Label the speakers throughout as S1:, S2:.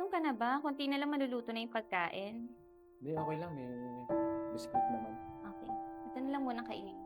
S1: Gutom ka na ba? Kunti na lang maluluto na yung pagkain.
S2: Hindi, okay lang. May biscuit naman.
S1: Okay. Ito na lang muna kainin.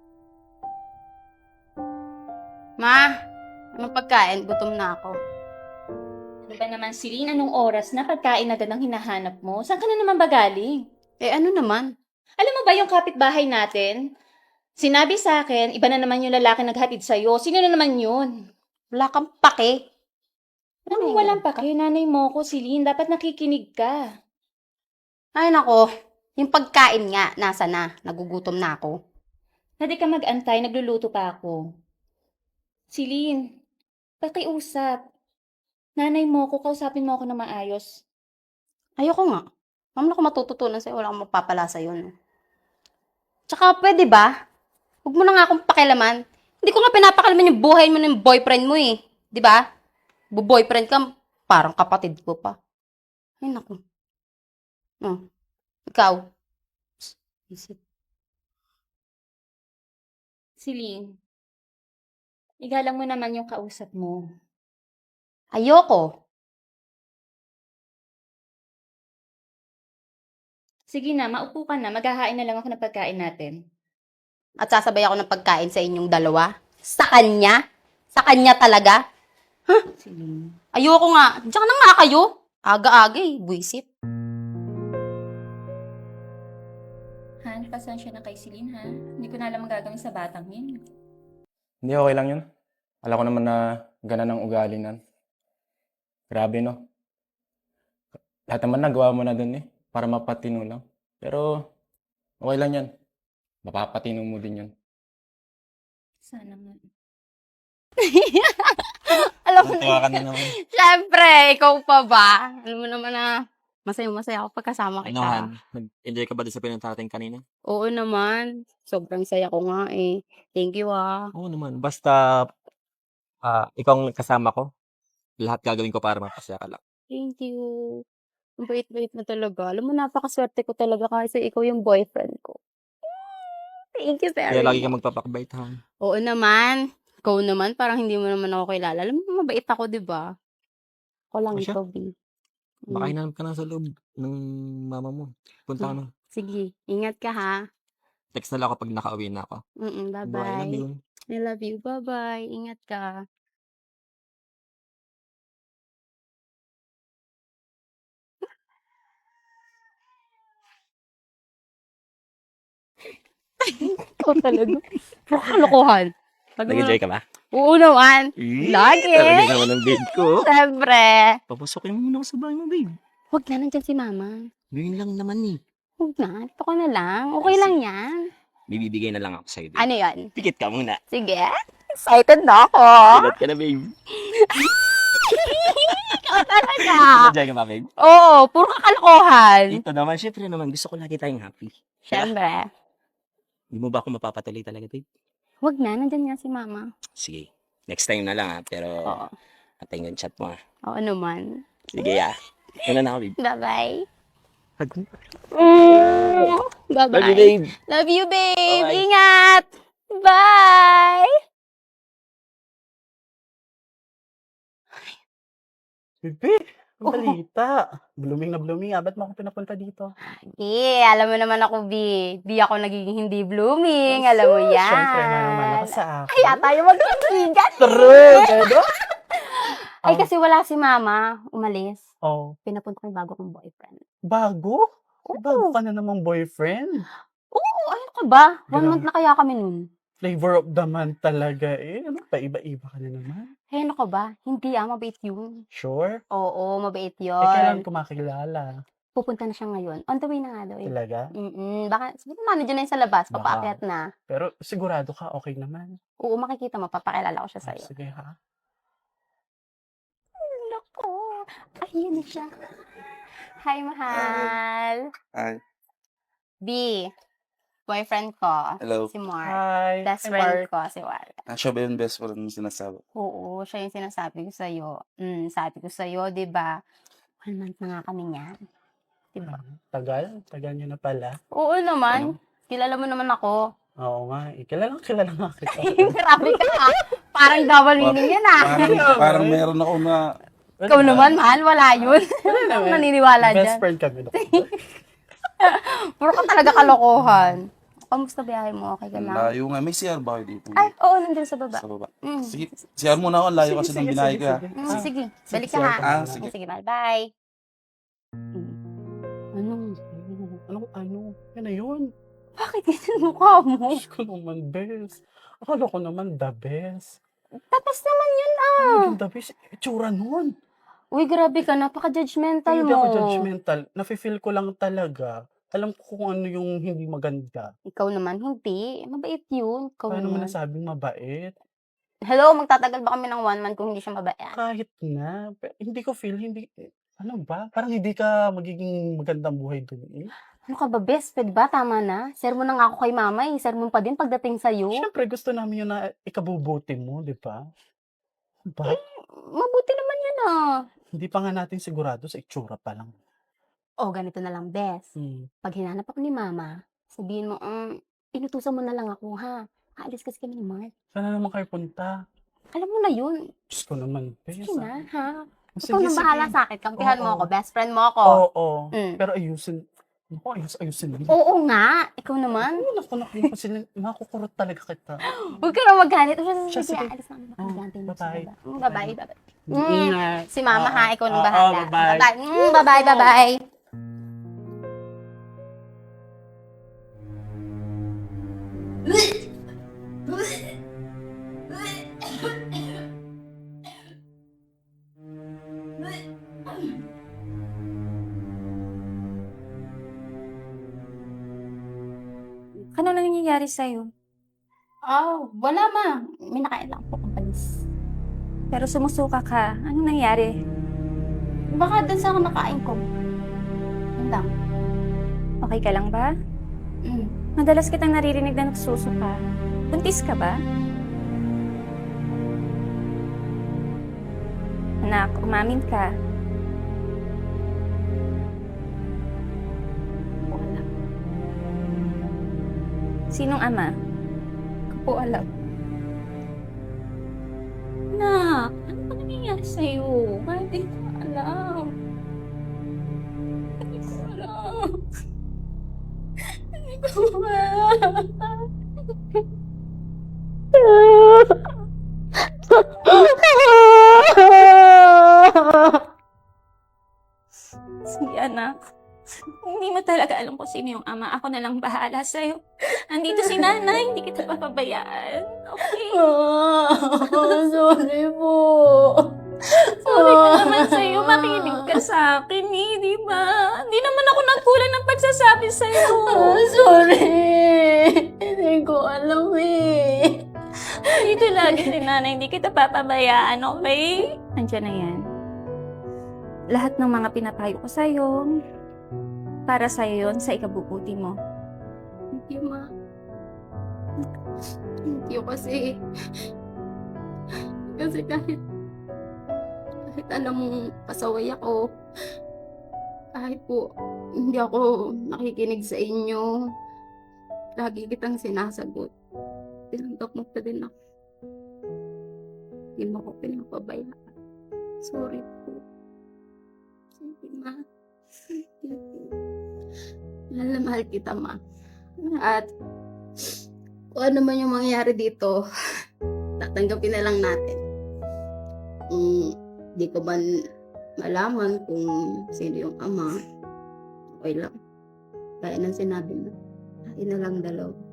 S3: Ma, anong pagkain? Gutom na ako.
S1: Ano ba naman, Celine? Anong oras na pagkain agad ang hinahanap mo? Saan ka na naman ba galing?
S3: Eh ano naman?
S1: Alam mo ba yung kapitbahay natin? Sinabi sa akin, iba na naman yung lalaki naghatid sa'yo. Sino na naman yun?
S3: Wala kang pake.
S1: Anong walang pake? Nanay mo ko, Celine. Dapat nakikinig ka.
S3: Ay nako, yung pagkain nga, nasa na? Nagugutom na ako.
S1: Hindi ka mag-antay, nagluluto pa ako. Celine, pakiusap. Nanay mo ko, kausapin mo ako na maayos.
S3: Ayoko nga. Mama ako matututunan sa'yo, wala akong mapapala sa'yo. No? Tsaka pwede ba? Huwag mo na nga akong pakialaman. Hindi ko nga pinapakalaman yung buhay mo ng boyfriend mo eh. Di ba? Bu-boyfriend ka, parang kapatid ko pa. Ay naku. Oh, ikaw. Isip.
S1: Celine, igalang mo naman yung kausap mo.
S3: Ayoko.
S1: Sige na, maupo ka na. Maghahain na lang ako ng pagkain natin.
S3: At sasabay ako ng pagkain sa inyong dalawa? Sa kanya? Sa kanya talaga?
S1: Celine.
S3: Ayoko nga. Diyan na nga kayo. Aga-aga eh. Buisit.
S1: Han, pasensya na kay Celine, ha? Hindi ko na alam ang gagawin sa batang yun.
S2: Hindi, okay lang yun. Alam ko naman na ganan ang ugali nan. Grabe, no? Lahat naman nagawa mo na dun eh. Para mapatino lang. Pero, okay lang yan. Mapapatino mo din yun.
S1: Sana nga.
S3: Alam mo
S2: Natuwa
S3: na.
S2: ka na naman.
S3: Siyempre, ikaw pa ba? Alam mo naman na masaya-masaya ako pagkasama kita.
S4: Ano, Han? Nag-enjoy ka ba doon sa pinunta natin kanina?
S3: Oo naman. Sobrang saya ko nga eh. Thank you ah.
S4: Oo naman. Basta ikaw ang kasama ko, lahat gagawin ko para mapasaya ka lang.
S3: Thank you. Ang bait-bait na talaga. Alam mo, napakaswerte ko talaga kasi ikaw yung boyfriend ko. Thank you very
S4: Kaya lagi ka
S3: much.
S4: magpapakabait, Han.
S3: Oo naman. Ikaw naman, parang hindi mo naman ako kilala. Alam mo, mabait ako, di ba? Ako lang
S4: O siya?
S3: ikaw, B.
S4: Baka hinanap ka na sa loob ng mama mo. Punta ka na.
S3: Sige, ingat ka ha.
S4: Text na lang ako pag nakauwi na ako. Bye, love
S3: Bye-bye.
S4: you.
S3: I love you. Bye-bye. Ingat ka. Ikaw talaga. Puro kalokohan.
S4: Nag-enjoy ka ba?
S3: Oo naman. Lagi.
S4: Talaga naman ang babe ko.
S3: Siyempre.
S4: Papasokin mo muna ako sa bahay mo, babe.
S3: Huwag na, nandyan si mama.
S4: Ngayon lang naman eh.
S3: Huwag na. Ito ko na lang. Okay lang yan.
S4: Bibibigay na lang ako sa'yo, babe.
S3: Ano yan?
S4: Pikit ka muna.
S3: Sige. Excited na ako.
S4: Pilat ka na, babe.
S3: Ikaw talaga.
S4: Enjoy ka ba, babe?
S3: Oo, puro kakalokohan.
S4: Ito naman, syempre naman, gusto ko lagi tayong happy.
S3: Siyempre.
S4: Hindi mo ba ako mapapatuloy talaga, babe?
S3: Huwag na, nandyan nga si mama.
S4: Sige. Next time na lang ha. Pero,
S3: Oo.
S4: atay yung chat mo ha.
S3: Oo naman.
S4: Sige ha. Una na ako, babe.
S3: Bye-bye.
S4: Hug mo.
S3: Bye-bye.
S4: Love you, babe.
S3: Love you, babe.
S4: Bye-bye.
S3: Ingat. Bye.
S5: Bebe, ang
S3: Oo.
S5: balita. Blooming na blooming. Ba't mo ako pinapunta dito?
S3: Alam mo naman ako, B. Di ako nagiging hindi blooming. Alam mo yan.
S5: Siyempre, naman ako sa akin.
S3: Kaya tayo magkaibigan.
S5: True, gado.
S3: Ay, kasi wala si mama. Umalis.
S5: Oh,
S3: Pinapunta ko yung bago kong boyfriend.
S5: bago?
S3: Oo.
S5: Bago ka na namang boyfriend.
S3: Oo, ayun ka ba? 1
S5: Grabe.
S3: month na kaya kami nun.
S5: Flavor of the month talaga eh. Ano pa, iba-iba ka na naman.
S3: Hey, ano ka ba? Hindi mabait yun.
S5: Sure?
S3: Oo, mabait
S5: Eh, kailan
S3: yun.
S5: ko makilala?
S3: Pupunta na siya ngayon. On the way na nga daw eh.
S5: Talaga?
S3: Baka, siguro nandiyan na yun sa labas.
S5: Baka.
S3: Papaakyat na.
S5: Pero sigurado ka, okay naman.
S3: Oo, makikita mo. Papakilala ko siya
S5: Ah,
S3: sa'yo.
S5: sige ha.
S3: Naku. Ayun na siya. Hi, mahal.
S6: Hi.
S3: B. Boyfriend ko.
S6: Hello.
S3: Si Mark.
S5: Hi.
S3: Best
S5: Hi,
S3: friend
S5: Mark.
S3: ko, si Mark.
S6: Siya ba yung best friend mo sinasabi?
S3: Oo, siya yung sinasabi ko sa'yo. Sabi ko sa'yo, di ba? 1 month na nga kami niyan. Di ba?
S5: Tagal? Tagal nyo na pala.
S3: Oo naman. Kilala mo naman ako.
S5: Oo nga. Kilala nga kita.
S3: Grabe ka ha. Parang double meaning yan ah.
S6: Parang meron ako na
S3: Ikaw naman, mahal, wala yun. Hindi ako naniniwala
S5: Best
S3: dyan.
S5: friend kami. No?
S3: Puro ka talaga kalokohan. Kamusta biyahe mo? Okay ka
S6: Ang
S3: lang?
S6: layo nga. May CR ba kayo dito?
S3: Ay, oo, nandun sa baba.
S6: Sa baba.
S3: Mm.
S6: Sige, CR muna ako. Ang layo kasi ng binahe ko. ah.
S3: Sige, balik ka
S5: sige,
S3: ha.
S6: Ah, sige.
S3: Sige, mahal, bye. Anong,
S5: Ano? Yan na yun.
S3: bakit ganyan mukha mo?
S5: Diyos ko naman, best. Akala ko naman the best.
S3: Tapos naman yun
S5: Yung the best, itsura nun.
S3: Uy, grabe ka, napaka-judgmental
S5: Hindi
S3: mo.
S5: ako judgmental. Nafe-feel ko lang talaga. Alam ko kung ano yung hindi maganda.
S3: Ikaw naman, hindi. Mabait yun. Ikaw
S5: Paano mo
S3: naman.
S5: nasabing mabait?
S3: Hello, magtatagal ba kami ng 1 month kung hindi siya mabait?
S5: Kahit na. Hindi ko feel, hindi. Ano ba? Parang hindi ka magiging magandang buhay dun eh.
S3: Ano ka ba, best? Pwede ba? Tama na. Sermon na nga ako kay mama eh. Sermon pa din pagdating sa'yo.
S5: Siyempre, gusto namin yun na ikabubuti mo, di ba? Ba?
S3: Mabuti naman yun ah.
S5: Hindi pa nga natin sigurado sa itsura pa lang.
S3: O, ganito na lang, best.
S5: Hmm.
S3: Pag hinanap ako ni mama, sabihin mo, inutusan mo na lang ako ha. Aalis kasi kami ni Mark.
S5: Sana naman kayo punta.
S3: Alam mo na yun.
S5: Diyos ko naman,
S3: Sige na, ha?
S5: Sige,
S3: Ikaw na bahala
S5: sige.
S3: sa akin. Kampihan mo
S5: Oo.
S3: ako. Best friend mo ako.
S5: Oo.
S3: Mm.
S5: Pero ayusin. Naku, ayusin mo.
S3: Oo nga. Ikaw naman.
S5: Naku, kasi makukurot talaga kita.
S3: Huwag ka na maghanit.
S5: Siya,
S3: Sige,
S5: sige.
S3: alis na kami.
S5: Oh,
S3: Magantay mo sa
S5: bye-bye.
S3: baba. Bye-bye, bye-bye.
S5: Ingat.
S3: Si mama ha, ikaw nang
S5: Oo,
S3: bahala.
S5: bye-bye.
S3: Bye-bye. Bye-bye, bye-bye.
S1: Ano na nangyayari sa'yo?
S3: Wala ma. May nakain lang po kong panis.
S1: Pero sumusuka ka. Ano nangyari?
S3: Baka dun sa nakain ko. Yun lang.
S1: Okay ka lang ba? Madalas kitang naririnig na nagsusuka. Buntis ka ba? Anak, umamin ka.
S3: Wala.
S1: Sinong ama?
S3: Ko po alam.
S1: Anak, ano ba nangyayari sa'yo? Hindi ko alam. Hindi ko alam. Hindi ko alam. Sige, anak. Hindi mo talaga alam kung sino yung ama. Ako na lang bahala sa'yo. Andito si nanay. Hindi kita papabayaan. Okay?
S3: Sorry po.
S1: Sorry ka naman sa'yo. Makinig ka sa akin eh, di ba? Hindi naman ako nagkulang ng pagsasabi sa'yo.
S3: Sorry. Hindi ko alam eh.
S1: Dito lagi si nanay. Hindi kita papabayaan, okay? Andiyan na yan. Lahat ng mga pinapayo ko sa'yo, para sa'yo yun, sa ikabubuti mo.
S3: Thank you, ma. Thank you kasi kahit alam mong pasaway ako, kahit po hindi ako nakikinig sa inyo, lagi kitang sinasagot. Tinanggap mo pa din ako. Hindi mo ako pinapabayaan. Sorry po. Sige, ma. Sige po. Mahal na mahal kita, ma. At kung ano man yung mangyayari dito, tatanggapin na lang natin. Di ko man malaman kung sino yung ama, okay lang. Kaya nang sinabi mo, tayo na lang dalaw.